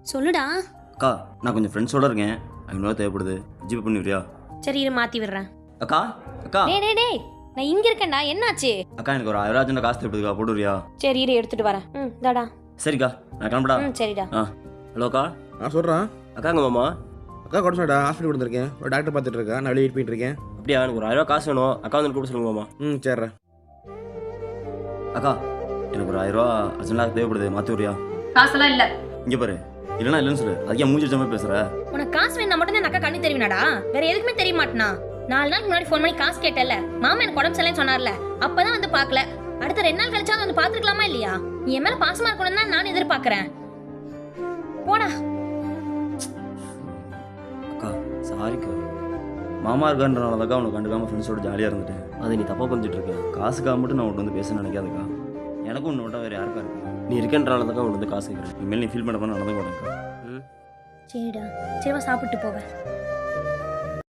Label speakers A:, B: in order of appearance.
A: சொல்லுடா.
B: அக்கா நான் கொஞ்சம் ஃப்ரெண்ட்ஸோட இருக்கேன், 500 தேவைப்படுது, ஜிபே பண்ணிவிடுறியா?
A: சரி இரு மாத்தி விடுறேன்.
B: அக்கா அக்கா
A: டேய் டேய் டேய், நான் இங்க இருக்கேன்டா. என்னாச்சு?
B: அக்கா எனக்கு ஒரு 1000 அர்ஜென்ட் காசு தேவைப்படுதுக்கா, போட்டுவிடுறியா?
A: சரி இரு எடுத்துட்டு வரேன். தாடா.
B: சரிக்கா நான் கிளம்புடா.
A: சரிடா.
B: ஹலோ அக்கா.
C: சொல்கிறேன்.
B: அக்காங்க மாமா.
C: அக்கா கூட சொன்னடா, ஹாஸ்பிட்டல் வந்திருக்கேன், ஒரு டாக்டர் பார்த்துட்டு இருக்கேன், நான் வெளியே போயிட்டு இருக்கேன்.
B: அப்படியா? எனக்கு ஒரு 1000 காசு வேணும், அக்கா வந்து கூப்பிட சொல்லுங்க மாமா.
C: சரிடா.
B: அக்கா எனக்கு ஒரு 1000 அர்ஜென்ட்டாக தேவைப்படுது, மாற்றி விடுறியா?
A: காசெல்லாம் இல்ல.
B: இங்கே பாரு, இல்லைன்னா இல்லைன்னு சொல்லு. அதுக்கே மூஞ்சி வச்ச மாதிரி பேசுகிற.
A: உனக்கு காசு வேணா மட்டும் தான் அக்கா கண்ணு தெரியுமாடா, வேற எதுக்குமே தெரிய மாட்டேனா? 4 நாளுக்கு முன்னாடி ஃபோன் பண்ணி காசு கேட்டல, மாமா எனக்கு உடம்பு சரியில்லைன்னு சொன்னார்ல, அப்பதான் வந்து பார்க்கல. அடுத்த 2 நாள் கழிச்சா வந்து பாத்துக்கலாமா இல்லையா? நீ என் மேல பாசமா இருக்கணும் தான் நான் எதிர்பார்க்கறேன். போடா.
B: அக்கா சாரிக்கா, மாமா இருக்கான்றனால தான் உனக்கு கண்டுக்காம ஃப்ரெண்ட்ஸோட ஜாலியாக இருந்துட்டேன். அதை நீ தப்பாக புரிஞ்சுட்டு இருக்க. காசுக்காக மட்டும் நான் உன்ட்டு வந்து பேச நினைக்காதக்கா. எனக்கும் உன்னை விட்டா வேறு யாருக்கா இருக்கு? நீ இருக்கன்றனால தான் உன்ட்டு வந்து காசு கேட்குறேன். இனிமேல் நீ ஃபீல் பண்ண நடந்து போனேன்க்கா.
A: சரிடா, சரிவா சாப்பிட்டு போவேன்.